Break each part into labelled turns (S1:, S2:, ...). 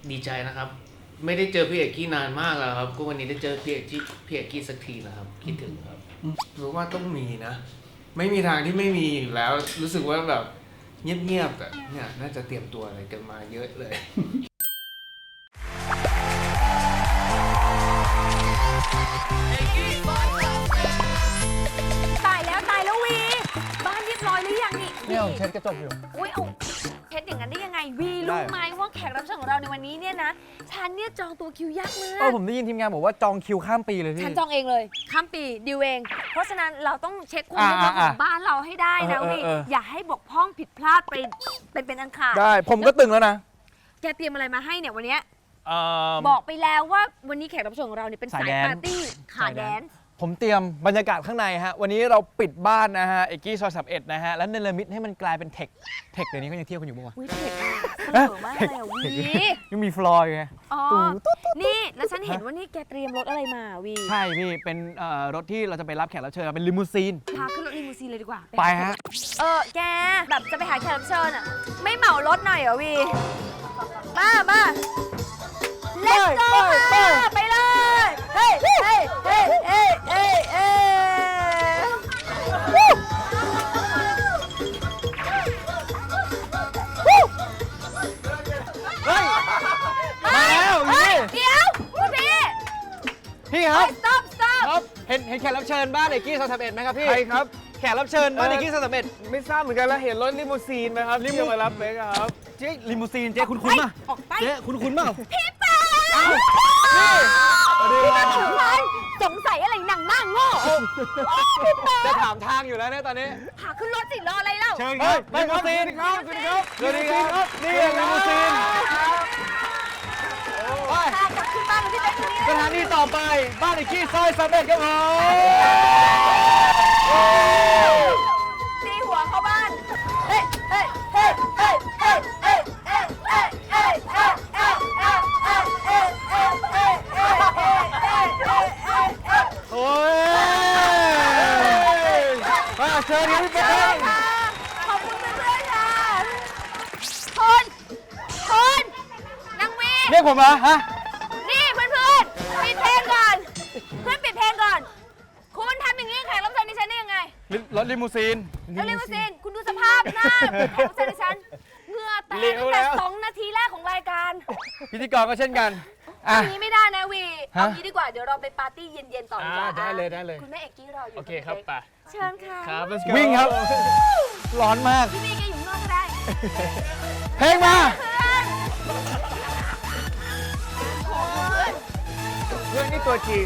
S1: ดีใจนะครับไม่ได้เจอพี่เอกกี้นานมากแล้วครับก็วันนี้ได้เจอพี่เอกกี้สักทีนะครับคิดถึงครับรู้ว่าต้องมีนะไม่มีทางที่ไม่มีอยู่แล้วรู้สึกว่าแบบเงียบๆแต่เนี่ยน่าจะเตรียมตัวอะไรกันมาเยอะเลย
S2: ตายแล้ววีบ้านเรียบร้อยหรือยังนี่
S3: เนี่ยผมเช็ดกระจกอยู่
S2: อุ้ยเอาเช็ดอย่างนั้นได้ยังไงวีรู้ไหมว่าแขกรับเชิญของเราในวันนี้เนี่ยนะฉันเนี่ยจองตัวคิวยากมาก
S3: ผมได้ยินทีมงานบอกว่าจองคิวข้ามปีเลยพี่
S2: ฉันจองเองเลยข้ามปีดิวเองเพราะฉะนั้นเราต้องเช็คความเรียบร้อยของบ้านเราให้ได้นะวีอย่าให้บกพร่องผิดพลาดไปเป็นอันขาด
S3: ได้ผมก็ตึงแล้วนะ
S2: แกเตรียมอะไรมาให้เนี่ยวันเนี้ยบอกไปแล้วว่าวันนี้แขกรับเชิญของเราเนี่ยเป็นสายปาร์ตี้ขาแดนซ์
S3: ผมเตรียมบรรยากาศข้างในฮะวันนี้เราปิดบ้านนะฮะเอกกี้ซอย31นะฮะแล้วเนรมิตให้มันกลายเป็นเทคเดี๋ยวนี้ก็ยังเที่ยวกันอยู่บ้างวะ
S2: วิเทคเสนอมากเลยอ่ะวี
S3: ยังมีฟลอร์อยู่ไง
S2: อ๋อนี่แล้วฉันเห็นว่านี่แกเตรียมรถอะไรมาวี
S3: ใช่พี่เป็นรถที่เราจะไปรับแขกรับเชิญเป็นลิมูซีน
S2: พาขึ้นรถลิมูซีนเลยดีกว่า
S3: ไปฮะ
S2: แกแบบจะไปหาแขกรับเชิญอ่ะไม่เหมารถหน่อยเหรอวีมาเล่นโซ่ไปเลยเฮ้ย
S3: มาแล้วพี่
S2: เดี๋ยวคุณพี่
S3: ครับ
S2: stop
S3: ครับเห็นแขกรับเชิญบ้านเอกกี้ซอย31ไหมครับพี่
S4: ใครครับ
S3: แขกรับเชิญบ้านเอกกี้ซอย31
S4: ไม่ทราบเหมือนกันแล้วเห็นรถลิมูซีนไหมครับที่จะมารับเบคครับ
S3: เจ๊ลิมูซีนเจ๊คุ้นป่ะ
S2: ออกไป
S3: เจ๊คุ้นป่ะ
S2: พี่แป๊ะสงสัยอะไรหนังหน้าโง่พี่แป๊ะ
S3: จะถามทางอยู่แล้วเนี่ยตอนนี้
S2: พาขึ้นรถสิรออะไรเล่า
S3: เชิญครับลิมูซีนครับสวัสดีครับสวัสดีครับนี่ลิมูซีนไป
S2: พากลับขึ้นบ้านพี่แป๊ะ
S3: สถานีต่อไปบ้านเอกกี้ซอย31ครับผม
S2: ตีหัวเข้าบ้าน
S3: โอ้ยมาเชิญครับพี่เป๊ก
S2: ขอบคุณเพื่อนๆค่ะคุณนางวี
S3: เรียกผมเหรอฮะ
S2: นี่เพื่อนๆปิดเพลงก่อนเพื่อนปิดเพลงก่อนคุณทำอย่างนี้แขกรับเชิญดิฉันได้ยังไง
S3: รถลิมูซีน
S2: แล้วลิมูซีนคุณดูสภาพหน้าแขกรับเชิญดิฉันเหงื่อแตกตั้งแต่2 นาทีแรกของรายการ
S3: พิธีกรก็เช่นกัน
S2: เอางี้ไม่ได้นะวีเอางี้ดีกว่าเดี๋ยวเราไปปาร์ตี้เย็นๆต่อดีกว่า
S4: ได้เลย
S2: คุณแม่เอกกี้รออยู่
S4: โอเคครับไป
S2: เชิญค่ะ
S4: ครับ let's go
S3: วิ่งครับ ร้อนมาก
S2: พี่วีแกอยู่ข้างนอกก็ได้
S3: เพลงมา
S4: เพื่อนนี่ตัวจริง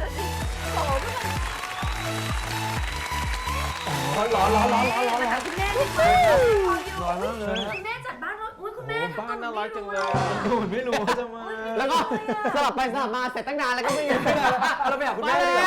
S3: ร้อน
S2: คุณแม่ดีมากร้อนมากเลยคุณแม่จัดบ้านรถอุ้ยคุณแม่
S4: บ้านน่ารักจังเลย
S3: ไม่รู้ว่าจะมา
S5: แล้วก็สลับไปสลับมาเสร็จตั้งนานแล้วก็ไม่มีเราไปหาคุณแม่เลย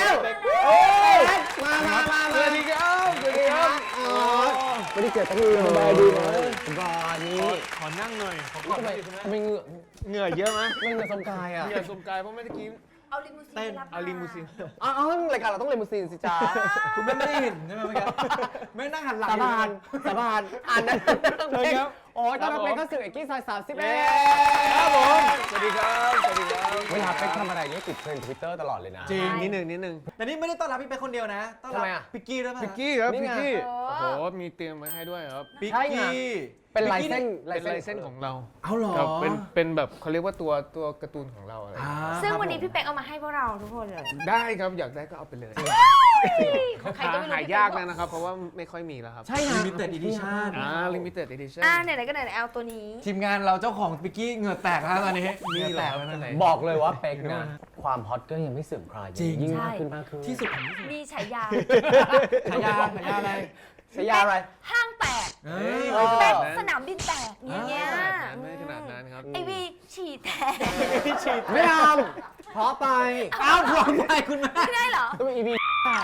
S5: มา
S4: สวัสดีครับสวัสดีครับ
S5: ไม่ได้เกิดตั้งนานสบายดีนะสบายนี่
S4: ขอนั่งหน่อยขอ
S5: ทำไม
S4: เหงื่อเยอะไหม
S5: ไม่เงินสมกายอ่ะ
S4: เหงื่อสมกายเพราะเมื่อกี้
S2: เอาลิมูซีนไปรับ
S4: เอาลิมูซีน
S5: อ๋อรายการเราต้องเลมูซีนสิจ้า
S3: คุณไม่ได้เห็นใช่ไหมเมื่อกี้ไม่นั่งหันหลัง
S5: สาบานอ่านนะ
S3: เชิญครับ
S5: โอ้ยตอนรับเป็นข้าสื่อเอกกี้ซอย31
S4: ครับผมสวัสดีครับสวัสดีครับ
S5: เวลาไปทำอะไรนี่ติดเทรนด์ทวิตเตอร์ตลอดเลยนะ
S3: จริง
S4: นิดหนึ่ง
S3: แต่นี่ไม่ได้ต้อนรับพี่เป๊กคนเดียวนะ ต้อนรับ
S5: ทำไมอะ
S3: พิกกี้ด้วยป่ะ
S4: พิกกี้ครับ
S5: นี่
S4: พิก
S5: ไง
S4: กี้โอ้โหมีเตรียมไว้ให้ด้วยครับ
S3: พิก
S5: ใช่ไง
S3: กี้
S5: เป็นลายเส้น
S4: เป็นลายเส้นของเรา
S3: เอาเหรอ
S4: ครับเป็นแบบเขาเรียกว่าตัวการ์ตูนของเราอะไร
S2: ซึ่งวันนี้พี่เป็กเอามาให้พวกเราทุกคนเลย
S4: ได้ครับอยากได้ก็เอาไปเลย
S2: ใครก็ไม่รู้
S4: หายากแล้วนะครับ เพราะว่าไม่ค่อยมีแล้วครับ
S5: ใช่นะ
S3: Limited Edition
S4: limited edition
S2: ไหนๆก็ไหนๆเอาตัวนี้
S3: ทีมงานเราเจ้าของพิกกี้เหงื่อแตกแล้วตอนนี้เหงื่อแตกแล้วนั่นไหน
S5: บอกเลยว่าเป็กนะความฮอตก็ยังไม่เสื่อมคลาย
S3: จริง
S5: ยิ่งมากขึ้น
S3: ที่สุดของที่สุด
S2: มีฉายา
S3: ฉายาอะไร
S5: ฉายาอะไร
S2: ห้างแตก
S3: เฮ้ย
S2: เป็กสนามบินแตกอย่างเงี้ย
S4: ไม่ขนาดนั้นครับ
S2: ไอวีฉี่แตก
S5: ไม่ทำเพราะไป
S3: อ้าวพร้อมไปคุณแม่
S2: ไม่ได้เหรอ
S5: ต้องมีอีพี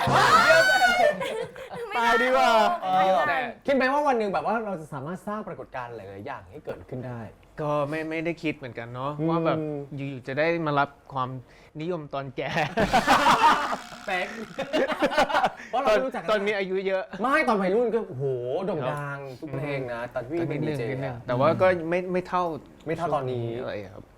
S2: ตายดีกว่า
S5: คิดไหมว่าวันหนึ่งแบบว่าเราจะสามารถสร้างปรากฏการณ์หลายๆอย่างให้เกิดขึ้นได้
S4: ก็ไม่ได้คิดเหมือนกันเนาะว่าแบบอยู่ๆจะได้มารับความนิยมตอนแก่
S3: แป๊ก
S5: เพราะเราไม่รู้จักกัน
S4: ตอนมีอายุเยอะ
S5: ไม่ตอนวัยรุ่นก็โอ้โหโด่งดังทุกเพลงนะตอนพี่เป็นดีเจ
S4: นิดนึงแต่ว่าก็ไม่เท่า
S5: ไม่เท่าตอนนี้
S4: อะไรครับ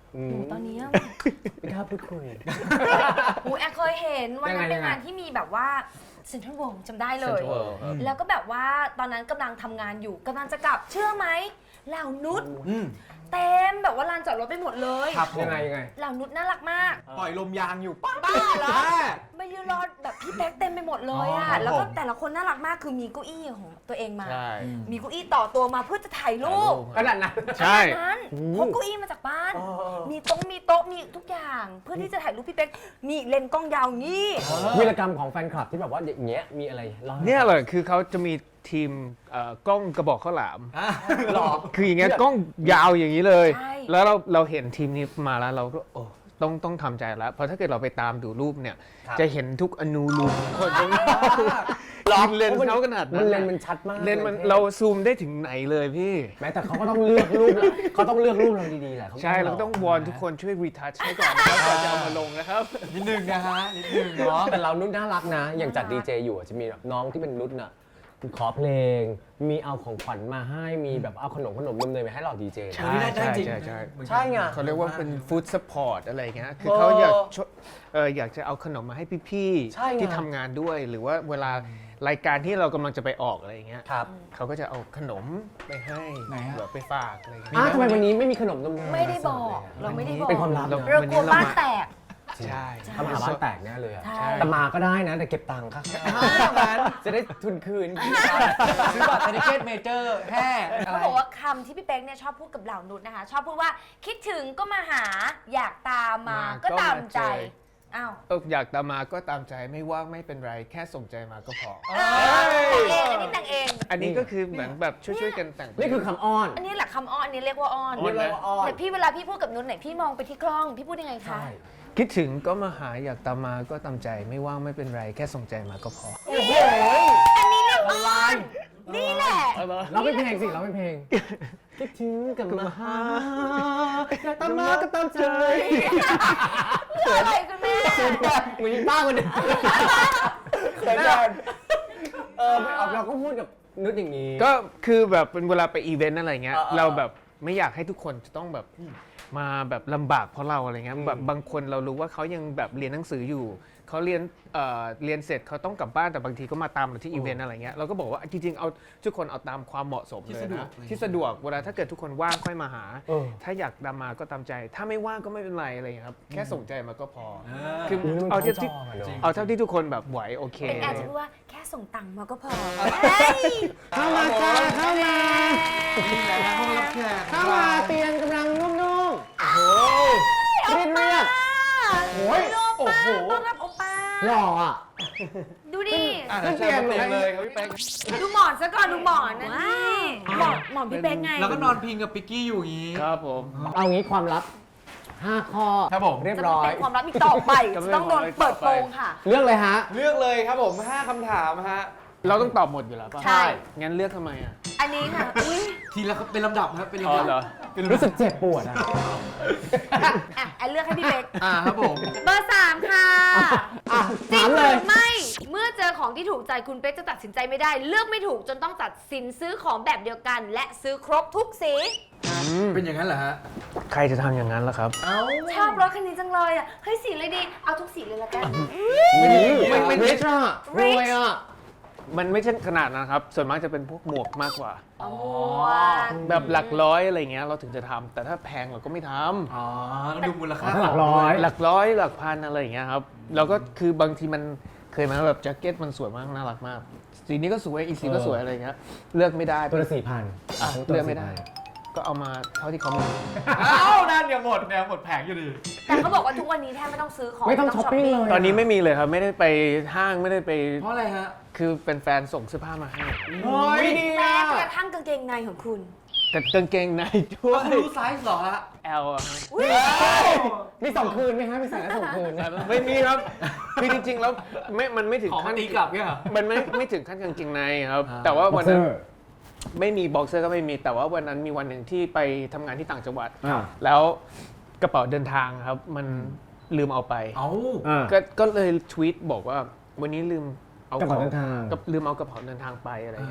S2: หนูตอนนี้อะ
S5: ไม่กล้าพูดคุย
S2: หนูแอบเคยเห็นวันนั้น
S5: ยังไง
S2: เป็นงานที่มีแบบว่าเซ็นทรัลเวิลด์จำได้เลย
S1: Central World ครับ
S2: แล้วก็แบบว่าตอนนั้นกำลังทำงานอยู่กำลังจะกลับเชื่อไหมเหล่านุชเต็มแบบว่าลานจอดรถไปหมดเลย
S3: ครับ
S5: ยังไง
S2: เหล่านุชน่ารักมาก
S3: ปล่อยลมยางอยู่ป้า
S2: บ้าเหรอมายืนรอแบบพี่แป๊กเต็มไปหมดเลยอะแล้วก็แต่ละคนน่ารักมากคือมีเก้าอี้ของตัวเองมา
S1: ใช่
S2: มีเก้าอี้ต่อตัวมาเพื่อจะถ่ายรูป
S5: ขนาดนั้น
S1: ใช่
S2: นั้นพกเก้าอี้มาจากบ้าน มีโต๊ะมีทุกอย่าง เพื่อที่จะถ่ายรูปพี่เป๊กนี่เลนส์กล้องยาวงี้
S5: วีรกรรมของแฟนคลับที่แบบว่าอย่างเงี้ยมีอะไรเล่าให้
S4: เนี่ยแหละคือเขาจะมีทีมกล้องกระบอกข้าวหลาม
S5: หรอ
S4: คืออย่างเงี้ยกล้องยาวอย่างนี้เลย
S2: ใช่
S4: แล้วเราเห็นทีมนี้มาแล้วเราก็โอ้ต้องทำใจแล้ว เพราะถ้าเกิดเราไปตามดูรูปเนี่ย
S5: ครับ
S4: จะเห็นทุกอนูรูปคนตรงนี้เลนส์เขาขนาดนั้น
S5: เลนส์มันชัดมาก
S4: เลนส์มันเราซูมได้ถึงไหนเลยพี่
S5: แม้แต่เขาก็ต้องเลือกรูปเขาต้องเลือกรูปเราดีๆแหละ
S4: ใช่เราต้องวอนทุกคนช่วยรีทัชให้ก่อนนะครับก่อนจะเอามาลงนะครับ
S3: นิดนึงนะฮะนิดนึงเนาะ
S5: แต่เรานุ่นน่ารักนะ อย่างจัดดีเจอยู่อะจะมีแบบน้องที่เป็นนุ่นน่ะขอเพลง มีเอาของขวัญมาให้มีแบบเอาขนมเนยๆมาให้เราดีเจ
S4: ใช่
S3: ได้จริง
S4: ใช่
S5: ใช่ไง
S4: เขาเรียกว่าเป็นฟู้ดซัพพอร์ตอะไรเงี้ย คือเขาอยากจะเอาขนมมาให้พี่
S5: ใช่ไง
S4: ๆที่ทำงานด้วย หรือว่าเวลารายการที่เรากำลังจะไปออกอะไรเงี้ย
S5: ครับ
S4: เขาก็จะเอาขนมไปให้
S3: ไหนฮะ
S4: แบบไปฝากอะไรเงี้ย
S5: ทำไมวันนี้ไม่มีขนมนมเนย
S2: ไม่ได้บอกเราไม่ได้บอก
S5: เป็นความลับ
S4: เรา
S5: นะ
S2: เรากลัวบ้านแตก
S4: ใช่
S5: ทำหาบ้านแตกแน่เลยอะ
S2: ใช่
S5: แต่มาก็ได้นะแต่เก็บตังค์ค่ะจะได้ทุนคืน
S3: ซื้อบัตรเทนิเกตเมเจอร์แห่อะไร
S2: เขาบอกว่าคำที่พี่เป๊กเนี่ยชอบพูดกับเหล่านุชนะคะ ชอบพูดว่าคิดถึงก็มาหาอยากตามมาก็ตามใจอ้าว
S4: อยากตามมาก็ตามใจไม่ว่างไม่เป็นไร แค่ส่งใจมาก็พอ
S2: แต่งเอง
S4: อันนี้ก็คือเหมือนแบบช่วยๆกันแต่ง
S5: นี่คือคำอ้อน
S2: อันนี้แหละคำอ้อนอันนี้เรียกว่าอ้อน
S5: เรียกว่าอ้อน
S2: แต่พี่เวลาพี่พูดกับนุชไหนพี่มองไปที่กล้องพี่พูดยังไงคะ
S5: ใช่
S4: คิดถึงก็มาหาอยากตามมาก็ตามใจไม่ว่างไม่เป็นไร แค่ส่งใจมาก็พอ
S2: โอ้โหอันนี้เรียกอ้อนนี่แหละ
S5: เราเป็นเพลงสิเราเป็นเพลงคิดถึงกับมาหาอยากตามมาก็ตามใจ
S2: คืออะไรคุณแม่
S5: เหมือนป้าคนเดียวเขินกันเราก็พูดกับนุชอย่างนี้
S4: ก็คือแบบเป็นเวลาไปอีเวนต์อะไรเงี้ย
S5: เออ
S4: เราแบบไม่อยากให้ทุกคนจะต้องแบบมาแบบลำบากเพราะเราอะไรเงี้ยแบบบางคนเรารู้ว่าเขายังแบบเรียนหนังสืออยู่เขาเรียนเสร็จเขาต้องกลับบ้านแต่บางทีก็มาตามเราที่อีเวนต์อะไรเงี้ยเราก็บอกว่าจริงๆเอาทุกคนเอาตามความเหมาะสมเลยนะที่สะดวกเวลาถ้าเกิดทุกคนว่างค่อยมาหา ถ้าอยากตามมาก็ตามใจ ถ้าไม่ว่างก็ไม่เป็นไรอะไรเงี้ยครับแค่ส่งใจมาก็พอคือ
S5: มัน
S4: เอาเท่า
S5: เข้า
S4: ที่
S5: จออะเนอะ
S4: เอาเท่าที่ทุกคนแบบไหวโอเค
S2: เป็นอาจจะพูดว่าแค่ส่งตังค์มาก็พอ
S5: เข้ามาจ้าเข้ามา
S3: นี่แหละนะห้องรับแขก
S5: เข้ามาเตียงกำลังนุ่มๆโอ้โหเรียบเรียบ
S2: โอ้ยโอ้โหต้อนรับโอป้า
S5: หล่ออ่ะ
S2: ดูดิ
S5: ขึ้นเตียง
S3: เตียงเลยครับพี่แป๊ก
S2: ดูหมอนซะก่อนดูหมอนนะนี่หมอนพี่เป๊กไง
S3: แล้วก็นอนพิงกับปิกกี้อยู่อย่างนี้
S4: ครับผม
S5: เอางี้ความลับ 5 ข้อ
S3: ครับผม
S5: เรียบ
S2: จะ
S5: ร้อย
S2: เป็นความลับอีกต่อไปจะต้องโดนเปิดโปงค่ะ
S5: เลือกเลยฮะ
S3: เลือกเลยครับผม5คำถามฮะ
S4: เราต้องตอบหมดอยู่แล้วป่ะ
S2: ใช่
S4: งั้นเลือกทำไมอ่ะ
S2: อันนี้ค่ะอุ้ย
S3: ทีละเป็นลำดับครับเป็น
S4: อ๋อ
S3: ลำดับ
S4: เหรอ
S3: เป็นลำดับ
S5: รู้สึกเจ็บปวดอ่ะ
S2: อ่ะแอนเลือกให้พี่เป๊ก
S3: ครับผม
S2: เบอร์ 3 ค่ะ
S5: อ่ะ
S2: จริ
S5: ถาง ม
S2: ห
S5: เล
S2: รื
S5: ย
S2: อไม่ เมื่อเจอของที่ถูกใจคุณเป๊กจะตัดสินใจไม่ได้ เลือกไม่ถูกจนต้องตัดสินซื้อของแบบเดียวกัน และซื้อครบทุกสี
S3: เป็นอย่างนั้นเหรอฮะ
S4: ใครจะทำอย่างนั้นล่ะครับ
S2: ชอบรถคันนี้จังเลยอ่ะเฮ้ยสีเลยดี เอาทุกสีเลยละกัน
S5: ไม่ริชอ่ะรวยอ่ะ
S4: มันไม่ใช่ขนาดนั้นครับ ส่วนมากจะเป็นพวกหมวกมากกว่า
S2: เอาหมวก
S4: แบบหลักร้อยอะไรเงี้ยเราถึงจะทำแต่ถ้าแพงเราก็ไม่ทำ
S3: อ๋อต้องดูมูลค่า
S5: ถ้าหลักร้อย
S4: หลักร้อยหลักพันอะไรอย่างเงี้ยครับเราก็คือบางทีมันเคยมาแบบแจ็คเก็ตมันสวยมากน่ารักมากสีนี้ก็สวยอีกสีก็สวยอะไรเงี้ยเลือกไม่ได้
S5: ตัวละ4,000
S4: อ่ะเลือกไม่ได้ ก็เอามาเท่าที่เขามี
S3: อ้าวนั่นเดี๋ยวหมดแนวหมดแผงอยู่ดี
S2: แต่เขาบอกว่าทุกวันนี้แทบไม่ต้องซื้อของ
S5: ไม่ต้องช้อปปิ้งเลย
S4: ตอนนี้ไม่มีเลยครับไม่ได้ไปห้างไม่ได้ไป
S3: เพราะอะไรฮะ
S4: คือเป็นแฟนส่งเสื้อผ้ามาให้
S3: เฮ้ยดี
S2: แม้
S3: อ่ะ
S2: กระทั่งกางเกงในของคุณ
S4: แต่กางเกงในด้ว
S3: แล้ว
S4: ย
S3: คุณรู้ไซส์เหรอฮะ
S4: L อะฮะ
S2: อุ๊ย
S5: มีส่งคืนไหมฮะมีใส่แล้วส่งคืน
S4: ไม่มีครับคือจริงๆแล้วมันไม่ถึง
S3: ของ
S4: ขั้น
S3: ตีกลับเนี่ยเหรอ
S4: มันไม่ถึงขั้นกางเกงในครับ แต่ว่าวันนั้นไม่มีบ็อกเซอร์ก็ไม่มีแต่ว่าวันนั้นมีวันหนึ่งที่ไปทำงานที่ต่างจังหวัด แล้วกระเป๋าเดินทางครับ มันลืมเอาไป
S3: เอ้า
S4: ก็เลยทวีตบอกว่าวันนี้ลืมเอา
S5: กระเป๋าเดินทาง
S4: ลืมเอากระเป๋าเดินทางไปอะไรเงี้ยครับ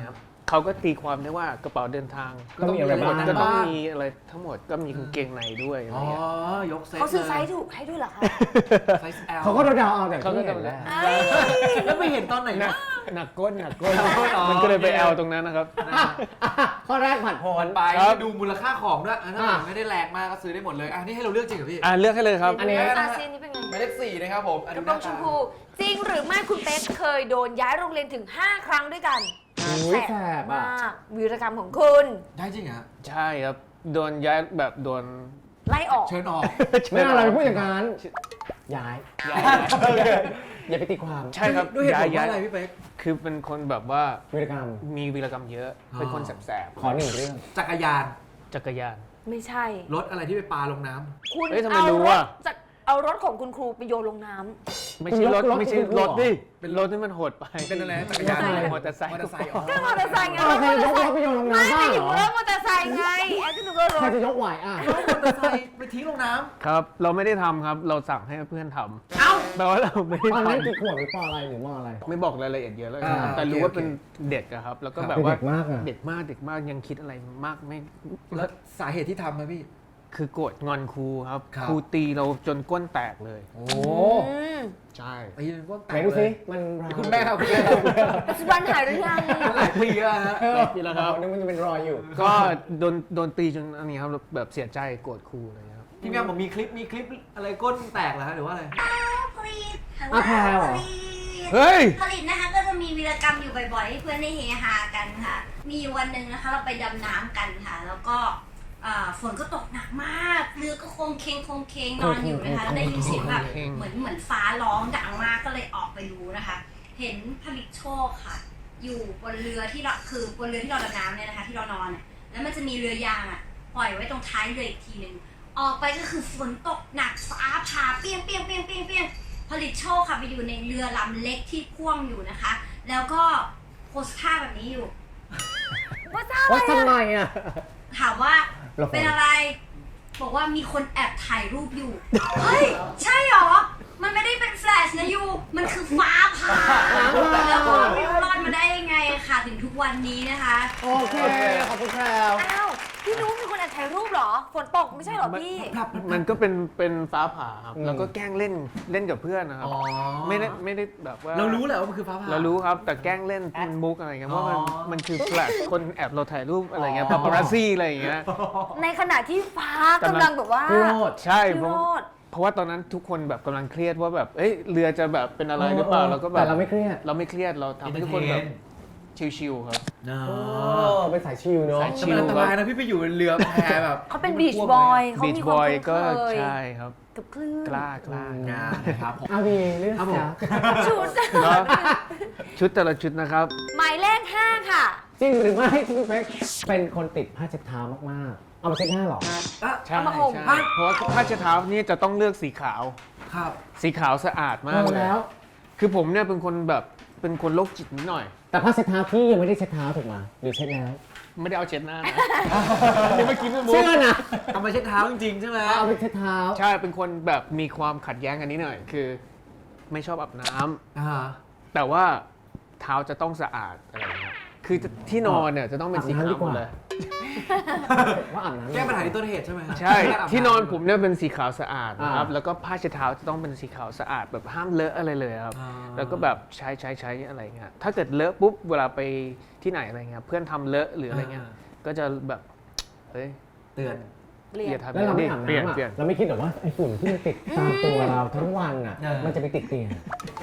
S4: เขาก็ตีความได้ว่ากระเป๋าเดินทาง
S5: ก็ต้องมีอะไรบ้าง
S4: ก็ต้องมีอะไรทั้งหมดก็มีกางเกงในด้วยอะไร
S6: อ๋อ
S4: เงี้ย
S6: ยกเซต
S2: เขาซื้อไซ
S6: ลย
S2: ส์ถูกให้ด้วยเหรอคะ
S6: ไซส์ L
S5: เขาก็เดาๆเอาแต่
S4: เขาก็
S5: ที่เห็น
S4: เดา
S5: แหละ
S2: เอ้ย
S6: แล้วไปเห็นตอนไหน
S4: หนั
S6: นะ
S4: กหนักก้นหนักก้น
S6: อ๋อ
S4: มันก็เลยไปแอลตรงนั้นนะครับ
S5: ข้อแรกผัดโผน
S6: ไป
S4: ครับ
S6: ดูมูลค่าของด้วยถ้า
S5: อ่ะ
S6: ไม่ได้แรงมากก็ซื้อได้หมดเลยนี่ให้เราเลือกจริงเหรอพี่
S4: เลือกให้เลยครับ
S5: อันนี้
S2: อาเซียนนี่เป็นไง
S6: หมายเลข4นะครับผม
S2: กระโปรงชมพูจริงหรือไม่คุณเป๊กเคยโดนย้ายโรงเรียนถึง 5 ครั้งด้วยกัน
S5: อุ๊ยแสบ
S2: มา
S5: อ่ะ
S2: กวีรกรรมของคุณ
S6: ได้จริงเหรอ
S4: ใช่ครับโดนย้ายแบบโดน
S2: ไล่ออก
S6: เชิญออก
S5: ไม่เอาอะไรพูดอย่างนั้นย้ายอย่าไปตีความ
S4: ใช่ครับ
S6: ด้วยเหตุผล
S4: ย้า
S6: ว่าย อะไรพี่เป๊ก
S4: คือเป็นคนแบบว่า
S5: วิรกรรม
S4: มีวีรกรรมเยอะ
S6: อ๋อ
S4: เป็นคนแสบ
S5: ขอหนึ่งเรื่อง
S6: จักรยาน
S4: ๆจักรยาน
S2: ไม่ใช่
S6: รถอะไรที่ไปปาลงน้ำ
S2: คุณ
S4: เอ้ยทำไม
S2: เอา
S4: รู้
S2: รถ
S4: อะ
S2: จากเอารถของคุณครูไปโยนลงน้ำ
S4: ไม่ใช่รถ
S5: รถ
S4: ไม่ใช่
S5: คุณครู
S4: รถ
S5: เหรอ
S4: ดิเป็นรถที่มันโหดไป
S6: เป็นอะไรจักรยาน
S4: มอเตอร์ไซค์
S6: มอเตอร์ไซค์อ๋อ
S2: ก็มอเตอร์ไซค์ไง
S5: อ้าวใครจะยกรถไปโยนลง
S2: ไม่
S5: น้ำบ้า
S2: ไม่
S5: ง
S2: ถึง
S5: เหรอ
S2: รถมอเตอร์ไซค์ไงแอนก็ดูก็ร
S5: ใคร
S2: ถ
S5: จะยกไหวอ่ะ
S6: รถมอเตอร์ไซค์ไปทิ้งลงน้ำ
S4: ครับ เราไม่ได้ทำครับ เราสั่งให้เพื่อนทำ
S6: เอ้า
S4: แปลว่าเราไม่ได้
S5: ตอนนั้น
S4: ทำ
S5: กี่ขวบหรือปออะไรหรือมออะไร
S4: ไม่บอกรายละเอียดเยอะแล้ว
S6: อ่า
S4: แต่รู้
S6: โอเค
S4: ว่าเป็นเด็กอะครับ แล้วก็
S6: ครับ
S4: แบบว่า
S5: เป็นเด็กมากอะ
S4: เด็กมากยังคิดอะไรมากไม่
S6: แล้วสาเหตุที่ทำไหมพี่
S4: คือโกรธงอนครูครับ
S6: ครับ
S4: ครูตีเราจนก้นแตกเลย
S6: โอ้
S2: อืม
S4: ใช่
S6: ตีเป็นพวกแต
S5: ไหน
S6: ก
S5: ดู
S6: เล
S5: สิ
S6: ย
S5: มันราว
S6: คุณแม่ครับคุณแม่ครับ
S2: ปัจจุบันหายหรือยัง
S6: หลายปีแล้วฮะ
S4: ปีแล้วครับ
S5: นึกว่าจะเป็นรอยอยู่
S4: ก็โดนตีจนอันนี้ครับแบบเสียใจโกรธครูเลยครับ
S6: พี่แม่ผมมีคลิปอะไรก้นแตกเหรอฮะหรือว่าอะไร
S7: ผลิต
S5: อ่ะแพรวเหรอ
S4: เฮ้ย
S7: ผลิตนะคะก็จะมีวีรกรรมอยู่บ่อยๆให้เพื่อนได้เฮฮากันค่ะ มีอยู่วันหนึ่งนะคะ เราไปดำน้ำกันค่ะ แล้วก็ฝนก็ตกหนักมากเรือก็โคงเคงนอนอยู่นะคะแล้วได้ยินเสียงแบบเหมือนฟ้าร้องดังมากก็เลยออกไปดูนะคะ เห็นผลิตโชคค่ะ อยู่บนเรือที่เราคือบนเรือที่เราดำน้ำเนี่ยนะคะ ที่เรานอนเนี่ยแล้วมันจะมีเรือยางอ่ะปล่อยไว้ตรงท้ายเรืออีกทีหนึ่งออกไปก็คือฝนตกหนักฟ้าผ่าเปี้ยงผลิตโชคค่ะไปอยู่ในเรือลำเล็กที่พ่วงอยู่นะคะ แล้วก็โพสท่าแบบนี้อยู่
S2: ว่าทราบ
S5: ว่า
S2: อะไร
S5: ทำไม
S2: อะ
S5: อ่ะ
S7: ถามว่า
S5: ละคร
S7: เป็นอะไร บอกว่ามีคนแอบถ่ายรูปอยู่ เฮ้ย ใช่เหรอ มันไม่ได้เป็นแฟลชนะยู มันคือฟ้าผ่าแล้วก็ไม่รู้รอดมาได้ยังไงค่ะ ถึงทุกวันนี้นะคะ
S5: โอเค ขอบคุณแพรว
S2: อ้าวพี่นุ้มีคนแอบถ่ายรูปเหรอ ฝนตกไม่ใช่เหรอพี่
S4: มันก็เป็นฟ้าผ่าครับแล้วก็แกล้งเล่นกับเพื่อนนะครับ
S6: อ๋อ
S4: ไม่ได้แบบว่า
S6: เรารู้แหละว่ามันคือฟ้าผ่า
S4: เรารู้ครับแต่แกล้งเล่นเป็นมุกอะไรเงี้ยเพราะมัน
S6: อ๋อ
S4: มันคือแฟลชคนแอบเราถ่ายรูปอะไรเงี้ย
S6: อ๋อ
S4: ปาปารัสซี่อะไรอย่างเงี้ย
S2: ในขณะที่ฟ้ากำลังแบบว่า
S5: พี่โรด
S4: ใช่
S2: พี่
S4: เพ
S2: โร
S4: ราะ
S2: ด
S4: เพราะว่าตอนนั้นทุกคนแบบกำลังเครียดว่าแบบเอ้ยเรือจะแบบเป็นอะไรหรือเปล่าเราก็แบบ
S5: แต่เราไม่เครียด
S4: เราไม่เครียดเราทำให้ทุกคนแบบชิลๆครับ
S5: โอ้เป็นสายชิลเนาะ
S4: สาย
S6: แต่มันอันตรายนะพี่ไปอยู่บนเรือแพแบบ
S2: เขาเป็นบีชบอยเขา
S4: บีช
S2: มีค
S4: บ
S2: วาม
S4: อย
S2: คุ้น
S4: ก็
S2: เคย
S4: ใช่ครับ
S2: กับคลื่น
S4: กล้า
S6: งานนะครับผม
S5: อาวีเรื่อง
S6: ครับผม
S5: จ้ะ
S2: ชุด
S4: เนอะชุดแต่ละชุดนะครับ
S2: หมายเลข 5 ค่ะ
S5: จริงหรือไม่ที่พี่เป๊กเป็นคนติดผ้าเช็ดเท้ามากๆ เอามาเช็ดหน้าเหรอ
S4: ใช่
S2: เอามาห่ม
S4: ใช่เพราะว่าผ้าเช็ดเท้านี่จะต้องเลือกสีขาว
S6: ครับ
S4: สีขาวสะอาดมาก
S5: เอา
S4: เลย
S5: แล้ว
S4: คือผมเนี่ยเป็นคนแบบเป็นคนโรคจิตนิดหน่อย
S5: แต่ผ้าเช็ดเท้าพี่ยังไม่ได้เช็ดเท้าถูกไหมหรือเช็ดแล้ว
S4: ไม่ได้เอาเช็ดหน้านะนี่เมื่อกี้ไม่มุก
S5: เชื่อนะ
S6: เอามาเช็ดเท้าจริงๆใช่ไหม
S5: เอาไปเช็ดเท้า
S4: ใช่ เป็นคนแบบมีความขัดแย้งกันนิดหน่อย คือ ไม่ชอบอาบน้ำ
S6: อ่า
S4: แต่ว่าเท้าจะต้องสะอาดอะไรเงี้ย คือที่นอนเนี่ยจะต้องเป็นสีขาวหมดเลย
S5: ว่าอาบน้ำ
S6: แก้ปัญหาที่ต้นเหตุใช่ไหม
S4: ใช่ ที่นอนผมเนี่ยเป็นสีขาวสะอาดนะครับ
S5: อ่า
S4: แล้วก็ผ้าเช็ดเท้าจะต้องเป็นสีขาวสะอาดแบบห้ามเลอะอะไรเลยครับ
S6: อ่า
S4: แล้วก็แบบใช้อะไรเงี้ย ถ้าเกิดเลอะปุ๊บเวลาไปที่ไหนอะไรเงี้ย เพื่อนทำเลอะหรืออะไรเงี้ย ก็จะแบบ เฮ้ย
S6: เตือน
S2: เปลี่ย
S4: อน ย่าทำ
S5: แล้วเราไม่
S4: ดิ
S5: อาบ
S4: เปลี่ยน
S5: น้ำอ่ะ
S4: เปลี่ยน
S5: เราไม่คิดหรอกว่าไอ้ฝุ่นที่มันติดตามตัวเราทั้งวันอ่ะ
S6: เออ
S5: มันจะไปติดเตียง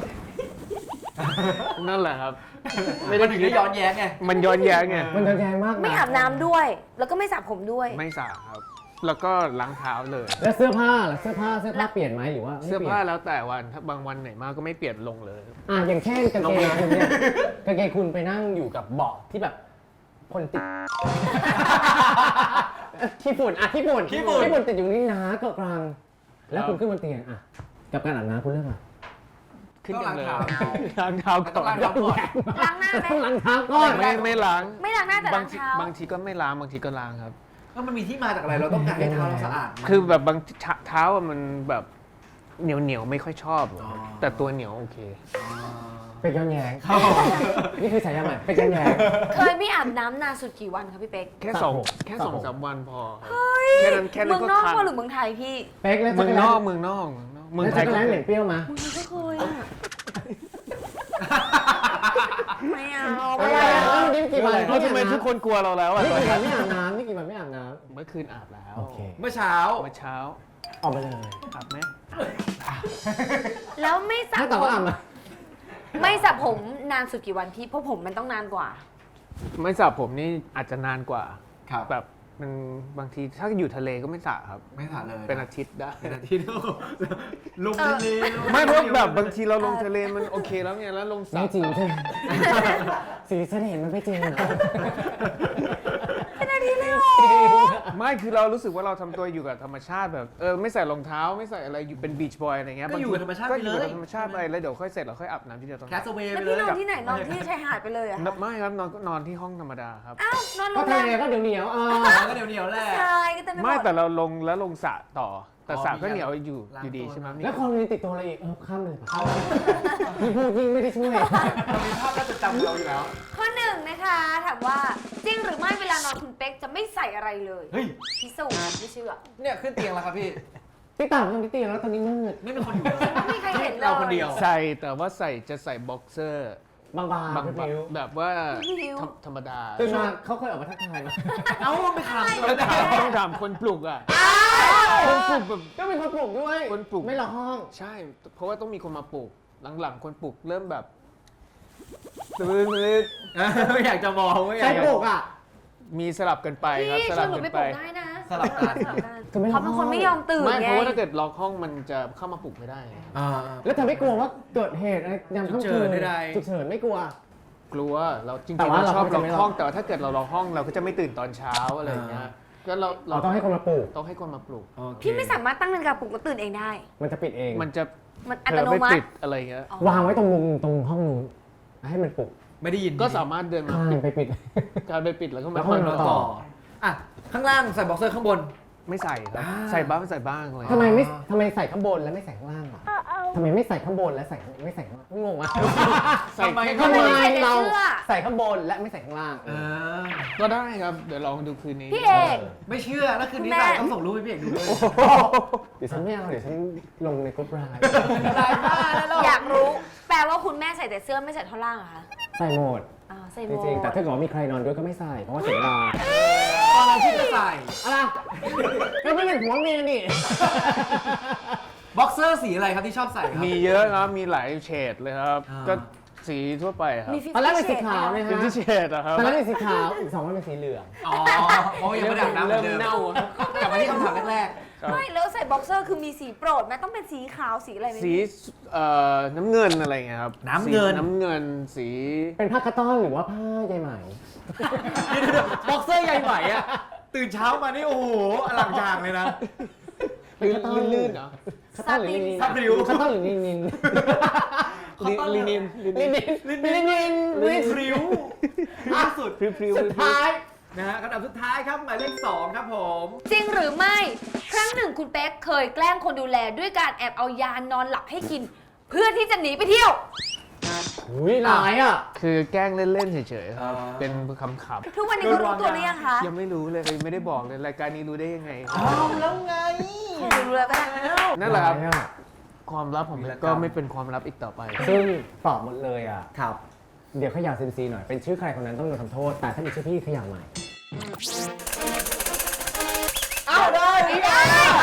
S4: นั่นแหละครับ
S6: มันถึงได้ย้อนแย้งไง
S4: มันย้อนแย้งไง
S5: มันจะแย่มากนะ
S2: ไม่อาบน้ำด้วย แล้วก็ไม่สระผมด้วย
S4: ไม่สระครับ แล้วก็ล้างเท้าเลย
S5: แล้วเสื้อผ้าล่ะเสื้อผ้าเปลี่ยนไหมหรือว่าไม่
S4: เสื้อ
S5: ปลี่ยน
S4: ผ้าแล้วแต่วัน ถ้าบางวันไหนมากก็ไม่เปลี่ยนลงเลย
S5: อย่างเช่นกางเกงคุณเนี่ยกางเกงคุณไปนั่งอยู่กับเบาะที่แบบคนติด ขี้ฝุ่นขี้ฝุ่นติดอยู่นี่นะเกาะกลางแล้วคุณขึ้นบนเตียงกับการอาบน้ำคุณเลือกอะไร
S4: ขึ้นยังเลย
S6: ต้องล้างเท้า
S4: ล้างเท้าก่อน
S6: ต้องล้างเท้าก่อน
S2: ล้างหน้าไหม
S5: ต้องล้างเท้าก่อน
S4: ไม่ล้าง
S2: ไม่ล้างหน้าแต่
S4: บา
S2: ล้าง ง
S4: ที
S2: เท้า
S4: บางทีก็ไม่ล้างบางทีก็ล้างครับ
S6: แล้วมันมีที่มาจากอะไรเราต้องการให้เท้าเราสะอาด
S4: คือแบบบางเท้าอะมันแบบเหนียวไม่ค่อยชอบ
S6: อ๋อ
S4: แต่ตัวเหนียวโอเค
S6: อ๋อ
S5: เป็นย้อนแย้งนี่คือฉายาใหม่เป็นย้อนแย้ง
S2: เคยไม่อาบน้ำนานสุดกี่วันคะพี่เป๊ก
S4: แค่
S5: สระผม
S4: แค่
S5: สระ
S4: สอง
S5: ผม
S4: สามวันพอแค่นั้น
S2: เมือง
S4: ก็
S2: นอก
S4: คัน
S2: หรือเมืองไทยพี่
S5: เป๊กแล้ว
S4: เมืองนอกเมืองไท
S5: ไท
S4: ย
S5: ยก็
S4: ก็
S5: ร้านเหม็นเปรี้ยวมา
S2: มึงก็เคยอ่ะ ไม่เอา
S5: อะไรอ่ะนี่กี่วัน
S4: แล้วทำไมทุกคนกลัวเราแล้วอ่ะ
S5: นี่กี่วันไม่อาบน้ำนี่กี่วันไม่อาบน้
S4: เมื่อคืนอาบแล้ว
S5: ำโอเค
S6: เมื่อเช้า
S4: เมื่อเช้า
S5: ออกไปเลย
S4: อาบไหม
S2: แล้วไม่สระ
S5: ถ้า
S2: ผ
S5: ต่อก็อาบ
S2: ม
S5: มา
S2: ไม่สระผมนานสุดกี่วันพี่เพราะผมมันต้องนานกว่า
S4: ไม่สระผมนี่อาจจะนานกว่า
S6: ครับ
S4: แบบมันบางทีถ้าอยู่ทะเลก็ไม่สระครับ
S6: ไม่ถ่ายเลย
S4: เป็นอาทิตย์ได้
S6: เป็นอาทิตย์ลงทะเล
S4: ไม่เพราะแบบบางทีเราลงทะเลมันโอเคแล้วไงแล้วลงสระ
S5: ไม่จริงใช่ไหมสีเสน่ห์มันไม่จริง
S4: ไม่คือเรารู้สึกว่าเราทำตัวอยู่กับธรรมชาติแบบไม่ใส่รองเท้าไม่ใส่อะไรอยู่เป็นบีชบอยอะไรเงี้ย
S6: ก็อยู่กับธรรมชาติ
S4: ก็
S6: ไป
S4: อ
S6: เล
S4: ยู่
S6: ย
S4: กับธรรมชาติไปแล้วเดี๋ยวค่อยเสร็จเราค่อยอาบน้ำที่เดียวตอน
S6: แคสเวย์
S2: แล้
S6: ไป
S2: ว
S6: เล
S2: พี่
S6: ย
S2: นอนที่ไหนนอนที่ชายหาดไปเลยอะคะ
S4: ไม่ครับนอนที่ห้องธรรมดาครับ
S2: อ้าวนอนโร
S5: ก็
S2: งแร
S5: ทะเล
S2: ม
S5: ก็เดี๋ยวเหนียว
S6: ก็เดี๋ยวแหละ
S2: ชายก็เต็มไปหม
S4: ไม่
S2: ด
S4: แต่เราลงแล้วลงสระต่อ แต่
S6: อ๋อ
S4: สระก็
S6: มี
S4: เหนียวอยู่
S6: ล้าง
S4: อยู่ดี
S6: ตัว
S4: ใช่ไหม
S5: แล้วความนี้ติดตัวอะไรอีกข้ามเลยยิ่งพูดยิ่งไม่ได้ช่วย
S6: เรามีภาพน่าจะจำเราอยู่แล้ว
S2: ข้อหนึ่งนะคะถามว่าจริงหรือไม่เวลานอนคุณเป๊กจะไม่ใส่อะไรเลย
S6: เฮ้ย
S2: พิสูจน์ไม่เชื่อ
S6: เนี่ยขึ้นเตียงแล้วครับพี่
S5: พี่ต่างกันพี่ตีแล้วตอนนี้มืด
S6: ไม่มีคนอยู่เลย
S2: ไม่มีใครเห็นเลย
S6: เราคนเดียว
S4: ใส่แต่ว่าจะใส่บ็อกเซอร์
S5: บาง
S4: บาง
S5: ๆนิ้ว
S4: แบบว่า
S2: นิ้ว
S4: ธรรมดา
S5: ตื่นมาเขาเคยออกมาทักทายไหม
S6: เอ้าไม่ถาม
S4: ต้องถามคนปลุกอ่ะคนปลุกแบบ
S5: ก็เป็นคนปลุกด้วย
S4: คนปลุก
S5: ไม่หลอกห้อง
S4: ใช่ เพราะว่าต้องมีคนมาปลุกหลังๆคนปลุกเริ่มแบบตื่น
S6: ไม่อยากจะมองไม่อ
S5: ใคร
S6: ยากจะ
S5: ปลุกอ่ะ
S4: มีสลับกันไปครับ
S2: พี่
S4: ส
S2: ช
S4: ลั
S2: ว
S4: บ
S2: นหนู
S4: กัน
S2: ไป
S4: ไป
S2: ปลุกได้นะ
S6: สลับกัน
S5: ก็ไม่
S2: เขาเป็นคนไม่ยอมตื่น
S4: ไม่
S2: ไง
S4: เพราะว่าถ้าเกิดล็อกห้องมันจะเข้ามาปลุกไม่ได้
S5: แล้วเธอไม่กลัวว่าเกิดเหตุอะไรยามค่ำคืน
S6: ฉุกเฉินใดๆ
S5: ฉุกเฉินไม่กลัว
S4: กลัวเราจริง
S5: แต่
S4: ๆ
S5: ว่า
S4: เราชอบ
S5: เรา
S4: ล็
S5: ก็
S4: อก
S5: จะไม่ล็อก
S4: ห้องแต่ว่าถ้าเกิดเราล็อกห้องเราก็จะไม่ตื่นตอนเช้าอะไรอย่างเงี้ยก็เรา
S5: เราต้องให้คนมาปลุก
S4: ต้องให้คนมาปลุก
S2: พี่ไม่สามารถตั้งนาฬิกาปลุกแล้วตื่นเองได้
S5: มันจะปิดเอง
S4: มันจะ
S2: มันอั
S4: เผล
S2: ต
S4: อ
S2: โน
S4: ไป
S2: มั
S4: ปิ
S2: ติ
S4: ดอะไรอย่างเงี้ย
S2: อ๋อ
S5: วางไว้ตรงมุมตรงห้องนู้นให้มันปลุก
S6: ไม่ได้ยิน
S4: ก็สามารถเดินมา
S5: ข้ามไปปิด
S4: การไปปิดแล้วก็
S5: แล้
S4: มาว
S5: ก็
S4: ค่อย
S5: มา
S4: มา
S5: ต่
S4: ต่
S5: อ
S4: อ
S6: อ่ะข้างล่างใส่บ็อกเซอร์ข้างบน
S4: ไม่ใส่ครับ
S6: อ่า
S4: ใส่บ้างเลย
S5: ทำไมใส่ข้างบนแล้วไม่ใส่ข้างล่างอ่ะทำไมไม่ใส่ข้างบนแล้วไม่ใส่ข้างล่างงงอ่ะ
S4: ใส่
S6: ทำไม
S4: แค่
S5: ทำไม
S2: ไม่ใส่แต่
S5: เรา
S2: เสื้อ
S5: ใส่ข้างบนและไม่ใส่ข้างล่าง
S4: ก็ได้ครับเดี๋ยวลองดูคืนนี้
S2: พี่เอก
S6: ไม่เชื่อแล้วคืนนี้
S2: แม่
S6: ใส่ต้องส่งรูปให้พี่เอกดูด้วย
S5: เดี๋ยวฉันไม่เอาเดี๋ยวฉันลงในกรุ๊ปไลน์
S6: ลายบ้าแล้วเรา
S2: อยากรู้ แปลว่าคุณแม่ใส่แต่เสื้อไม่ใส่ท่อนล่างเหรอคะ
S5: ใส่หมด
S2: อ๋อใส่ห
S5: จ
S2: มด
S5: ริงๆแต่ถ้าเกิดว่ามีใครนอนด้วยก็ไม่ใส่เพราะว่าเสียเวลา
S6: ตอนนั้นพี่จะใส่
S5: อะไรก็ไม่เป็นผัวเมียนี่
S6: บ็อกเซอร์สีอะไรครับที่ชอบใส่ครับ
S4: มีเยอะครับมีหลายเฉดเลยครับ
S6: อ่า
S4: ก็สีทั่วไปครับ
S2: มี
S5: ตอนแรกเป็นสีขาวนะ
S4: เป็น
S5: ฮะ
S4: ที่เฉดอะครับ
S5: ตอนแรกเป็นสีขาวอีก2วันเป็นสีเหลือง
S6: อ๋อเพราะว่ายังไม่ได้อาบน้ำเหมื
S4: เริ่
S6: อ
S4: ม
S6: นเดิม
S4: เน่าอะ
S6: กลับมาที่คำถามแรก
S2: ไม่แล้วใส่บ็อกเซอร์คือมีสีโปรดไหมต้องเป็นสีขาวสีอะไรไหม
S4: สีน้ำเงินอะไรเงี้ยครับ
S6: น้ำเงิน
S4: สีน้ำเงินสี
S5: เป็นผ้ากระต้อนหรือว่าผ้าใยไหม
S6: บ็อกเซอร์ใหญ่ไหมอ่ะตื่นเช้ามานี่โอ้โหอลังจางเลยนะ
S4: ลื่นๆเหรอ
S5: กระต้อนหรือลินิน
S6: ซับริ้ว
S5: กระต้อนหรือลินิน
S4: ลินิน
S5: ลินินลินิน
S6: พริ้วที่สุด
S4: พริ้ว
S5: สุดท้าย
S6: นะฮะคำถามสุดท้ายครับหมายเลข2ครับผม
S2: จริงหรือไม่ ครั้งหนึ่งคุณเป๊กเคยแกล้งคนดูแลด้วยการแอบเอายานอนหลับให้กิน เพื่อที่จะหนีไปเที่ยว
S5: อุ้ยหลายอ่ะ
S4: คือแกล้งเล่นๆเฉยๆครับเป็นคำ
S2: ทุกวันนี้เขารู้ตัวหรือยังคะ
S4: ๆยังไม่รู้เลยไม่ได้บอกเลยรายการนี้รู้ได้ยังไง
S6: เอาแล้วไง
S2: รู้แล้วก็ได้
S4: นั่นแหละครับ
S5: หายอะ
S4: ความลับผมก็ไม่เป็นความลับอีกต่อไป
S5: ซึ่งตอบหมดเลยอ่ะ
S6: ครับ
S5: เดี๋ยวขยะเซนซีหน่อย เป็นชื่อใครคนนั้นต้องโดนทำโทษ แต่ถ้ามีชื่อพี่ขยะใหม่
S6: เอาได้พี่แอ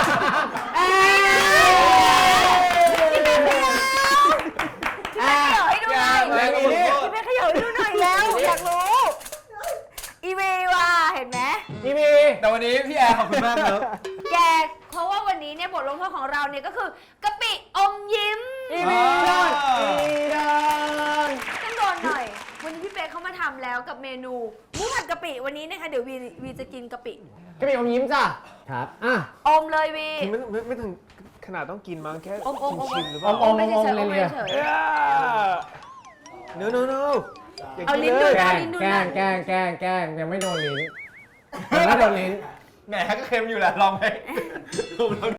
S2: พี่เป๊กขยับให้ดูหน่อย
S6: แรงอีก
S2: พี่เป๊กขยับให้ดูหน่อยแล้วอยากรู้ อีเมลว่ะเห็นไหม
S5: พี่พี
S6: แต่วันนี้พี่แอร์ขอบคุณมากครับ
S2: แกเพราะว่าวันนี้เนี่ยบทลงโทษของเราเนี่ยก็คือกะปิอมยิ้ม
S5: พี่พีโดนพี่โดน
S2: ต้องโดนหน่อย วันนี้พี่เป๊กเขามาทำแล้วกับเมนูหมูผัดกะปิวันนี้นะคะเดี๋ยววีจะกินกะปิ
S5: ก็มีอมยิ้มจ้ะ ครับ อ่ะ
S2: อมเลยวี
S4: ไม่ถึงขนาดต้องกินมั้งแค่
S2: อม
S4: ชิมๆหรือเปล่า
S5: อม
S2: ไม่เฉยๆอม
S5: เลย
S2: ไม่
S5: เนี่ย
S2: เฉย
S4: โนอย่า
S2: เอา
S4: กิน
S2: ลิ้น
S4: เล
S2: ดู
S4: ย
S5: แกล้ง
S2: ลิ้นดู
S5: แกล้ง
S2: นะ
S5: แกล้งแกล้งแกล้งยังไม่โดนลิ้นยังไม่โดนลิ้น
S6: แหมก็เค็มอยู่แหละลองไหม